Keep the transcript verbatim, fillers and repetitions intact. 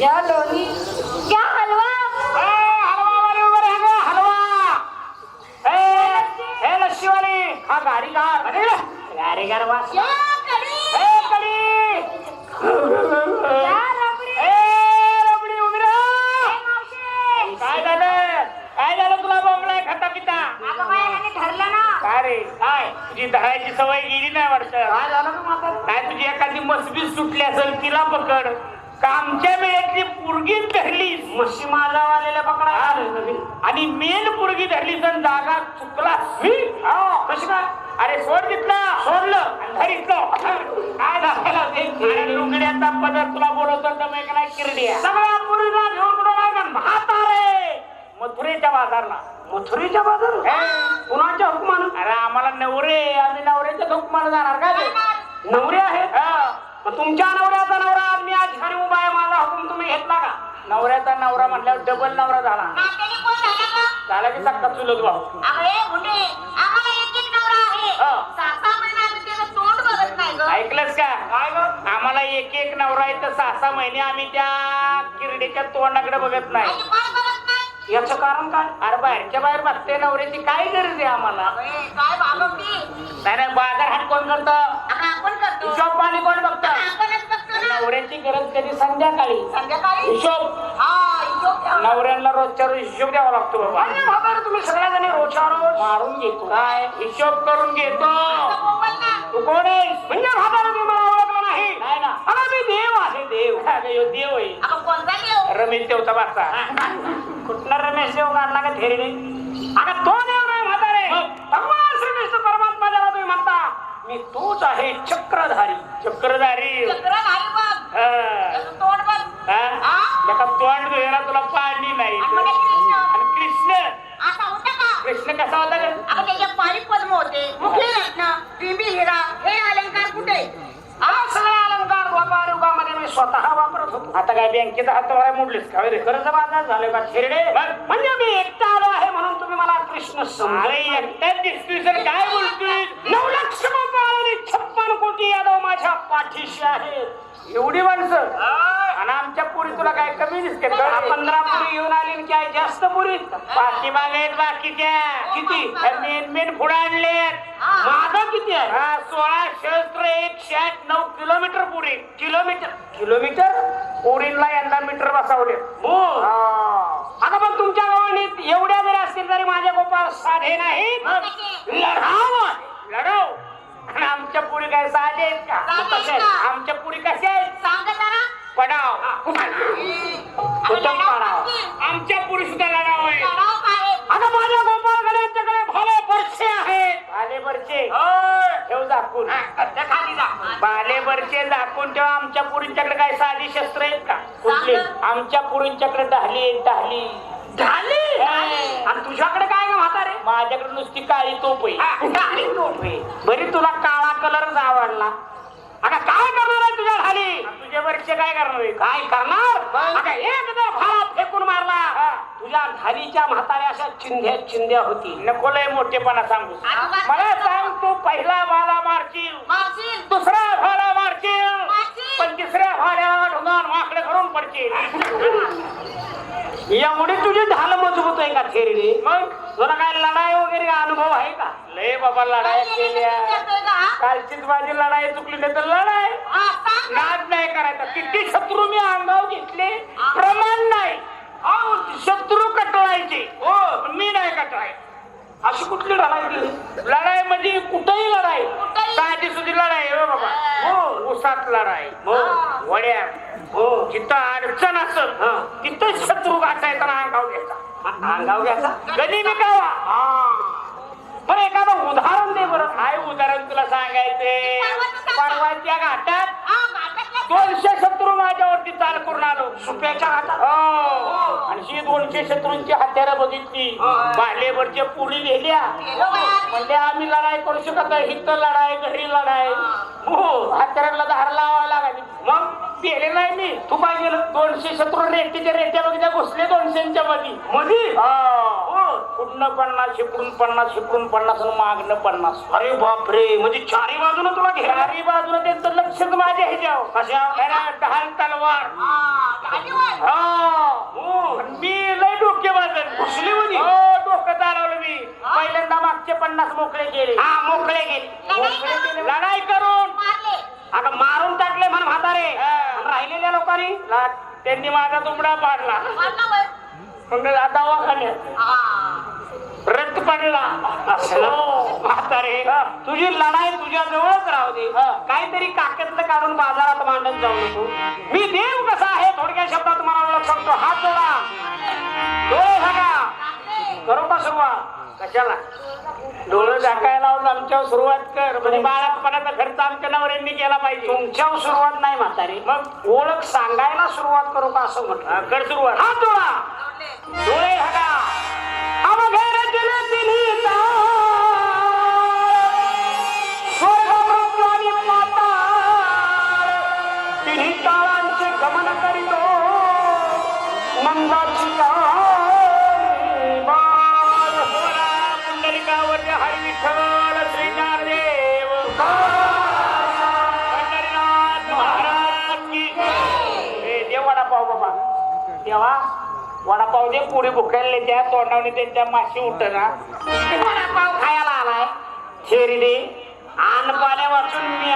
क्या लोणी क्या हलवा हलवा वाले उभे रहे ग हलवा ए ए लस्सी वाली हा गाडी कार अरे गाडी कार वास क्या कडी ए कडी क्या रबडी ए रबडी उभी ए राहा मावशी काय झालं काय झालं तुला बोंबलाय खाता पिता अगं बाई ह्याने ठरलं ना काय रे काय तुझी दहायची सवय गेली नाही वाटतं काय झालं का म्हातारे काय तुझी एखादी मसबी सुटली असेल तिला पकड का आमच्या वेळेतली पुरगी धरली मशी माझा वालेल्या पकडा आणि मेन पुरगी धरली तर जागा चुकला कशी काय अरे सोड तिथला सोडलं आणि धरितलं काय झालं लुगड्याचा पदर तुला बोलवतो तर मग नाही किरड्या सगळ्या पुरीला घेऊन कुठं काय का म्हातारे मथुरेच्या बाजारला मथुरीच्या बाजार कुणाच्या हुकमान अरे आम्हाला नवरे आम्ही नवऱ्याच्या हुकमानं जाणार काय ते? नवरे आहेत हा. मग तुमच्या नवऱ्याचा नवरा आज मी आज ठिकाणी उभा आहे माझा हुकूम तुम्ही घेतला का नवऱ्याचा नवरा म्हटल्यावर डबल नवरा झाला नात्याने कोण झाला का? झाला की सक्का चुलत भाऊ अरे गुंडे, आम्हाला एक एक नवरा आहे. हा. सहा सहा महिने आम्ही त्याचं तोंड बघत नाही ग. ऐकलंस का काय ग आम्हाला एक एक नवरा आहे तर सहा सहा महिने आम्ही त्या किरडीच्या तोंडाकडे बघत नाही आणि पाय बघत नाही. याचं कारण काय अरे बाहेरच्या बाहेर बघते नवऱ्याची काय गरज आहे आम्हाला अरे, काय बाबा नाही नाही बाजार हाट कोण करत आपण करतो. हिशोब पाणी कोण बघत आपणच बघतो ना. नवऱ्याची गरज कधी संध्याकाळी संध्याकाळी हिशोब हा हिशोब ठेवा. नवऱ्यांना रोजच्या रोज हिशोब द्यावा लागतो बाबा अरे म्हातारे तुम्ही सगळ्या जणी रोजच्या रोज मारून घेतो काय हिशोब करून घेतो असं बोंबल ना. तू कोण आहेस म्हणजे म्हातारे तुम्ही मला ओळखलं नाही नाही ना अरे मी देव आहे देव अगं, ह्यो देव आहे आपण कोणता देव? रमेश देवचा बाचा कुठला रमेश देव काढला का थेरीने अगं तो देव नाही म्हातारे भगवान श्रीकृष्ण परमात्मा ज्याला तुम्ही म्हणता मी तोच आहे चक्रधारी चक्रधारी चक्रधारी बघ. हा. त्याचं तोंड बघ. हा? हा? एका तोंड धुयाला तुला पाणी नाही आणि म्हणे कृष्ण. आणि कृष्ण असा होता का? कृष्ण कसा होता ग? अगं त्याच्या पायी पद्म होते, मुखी रत्न, बिंबी हिरा, हे अलंकार कुठे? हा सगळे अलंकार व्यापार युगामध्ये मी स्वतः वापरत होतो आता काय बँकेचा हात वारा मोडलीस का रे कर्ज बाजार झाले का थेरडे म्हणजे मी एकटा आलो आहे म्हणून तुम्ही मला कृष्ण अरे समजा एकट्याच दिसतोय सर काय बोलतोय नऊ लक्ष गोपाळ आणि छप्पन कोटी यादव माझ्या पाठीशी आहेत एवढी माणसं आणि आमच्या पुरी तुला काय कमी दिसते दहा पंधरा पुरी येऊन आली आणि काय जास्त पुरी पाठीमागे आहेत बाकीच्या किती मेन मेन पुढे आणलेत माझा किती आहे हा सोळा शस्त्र एकशे आठ नऊ किलोमीटर पुरी किलोमीटर किलोमीटर पोरींला यंदा मीटर बसवले हो आता पण तुमच्या गावाने एवढ्या जरी असतील तरी माझे गोपाळ साधे नाहीत लढाव लढव आणि आमच्या पुरी काय साधे आहेत का साधे आहेत कशा आहेत? का? आमच्या पुरी कशा आहेत सांग जरा. पडाव उत्तम पाडाव आमच्या पुरी सुद्धा लढाव आहे लढाव काय? आता माझ्या गोपाळ गड्यांच्याकडे भाले बरसे आहेत बाले बरचे ठेव झाकून त्या खाली जा बाले बरचे झाकून ठेव आमच्या पुरींच्याकडे काय साधी शस्त्र आहेत का कुठली सांग. आमच्या पुरींच्याकडे ढाली आहेत ढाली झाली आणि तुझ्याकडे काय ग म्हातारे माझ्याकडे नुसती काळी तोप आहे गाडी तोफ आहे. बरी तुला काळा कलरच आवडला आता काय करणार आहे तुझ्या ढाली तुझ्या बरचे काय करणार आहे काय करणार आता एकदा भाला फेकून मारला तुझ्या ढालीच्या म्हाताऱ्या अशा चिंध्या चिंध्या होती नको लय मोठेपणा सांगू अजिबात मला सांग तू पहिला भाला मारशील मारशील. दुसरा भाला मारशील मारशील. पण तिसऱ्या भाल्याला ढुंगान माकडे करून पडशील एवढी तुझी ढाल मजबूत आहे का थेरीने मग तुला काय लढाई वगैरे का अनुभव आहे का लय बाबा लढाई काय केल्या करतोय का, हा? कालचीच माझी लढाई चुकली नाही तर लढाई हा, सांग. नाद नाही करायचा किती शत्रू मी अंगावर घेतले प्रमाण नाही अहो, शत्रू कटळायचे हो पण मी नाही कटळाय अशी कुठली लढाई केली लढाई म्हणजे कुठेही लढाई कुठंही. साधी सुधी लढाई हो बाबा हो उसात लढाई हो वड्या हो जिथं अडचण असत हा. तिथं शत्रू गाठायचा ना अंगाव घ्यायचा अंगाव घ्यायचा कधी मी कावा बरं एखादं उदाहरण दे बरं काय उदाहरण तुला सांगायचे परवाच्या घाटात हा, घाटातल्या दोनशे शत्रू माझ्यावरती चाल करून आलो सुप्याच्या हातात हो आणि ही दोनशे शत्रूंची हत्यारं बघितली बालेवरच्या पुरी लिहिल्या गेलो बाया. म्हणजे आम्ही लढाई करू शकत नाही हिथं लढाई घरी लढाई हो हत्याराला धार लावावं लागायची मग पेले नाही मी तू काय केलं दोनशे शत्रू रेट्याच्या रेट्या बघितल्या घुसले दोनशेच्या मध्ये मधी हो पुढनं पन्नास शिपडून पन्नास शिपडून पन्नास आणि मागणं पन्नास. अरे बापरे, म्हणजे चारी बाजून तुला घे. चारी बाजून त्यांचं लक्षच माझ्या ह्याच्यावर. कशा ढाल तलवार. मी लय डोके वाजत घुसली होती. हो, डोकं चालवलं मी. पहिल्यांदा मागचे पन्नास मोकळे केले. हा, मोकळे गेले. मोकळे केले लढाई करून. अगं मारून टाकले म्हण म्हातारे. राहिलेल्या लोकांनी त्यांनी माझा तुंबडा पाडला. मग दवाखान्यात रक्त पडला. म्हातारे, तुझी लढाई तुझ्या जवळच राहू दे. काहीतरी काकेतलं काढून बाजारात मांडत जाऊ नको. मी देव कसा आहे थोडक्या शब्दात मला ओळख शकतो. हात जोडा, डोळे झाका. करू का सुरुवात? कशाला डोळे झाकायला लावून आमच्यावर सुरुवात कर. म्हणजे बाळापणाचा खर्च आमच्या नवऱ्यांनी केला पाहिजे. तुमच्यावर सुरुवात नाही म्हातारे, मग ओळख सांगायला सुरुवात करू का असं म्हटलं. कर सुरुवात. हात जोडा, डोळे झाका. अवघे रचना तिन्ही स्वर्ग मृत्यू आणि पाताळ तिन्ही ताळांचे गमन करीतो मंदाची काळी बाळ. पुंडलिकावर हरी विठ्ठल श्री ज्ञानदेव पंढरीनाथ महाराज की. ए, देव वडापाव बाबा देवा, वडापाव दे. पुढे भुकायला त्या तोंडावणे त्यांच्या माशी उठना. वडापाव खायला आलाय. शेरी दे. आण पाण्या वाचून मी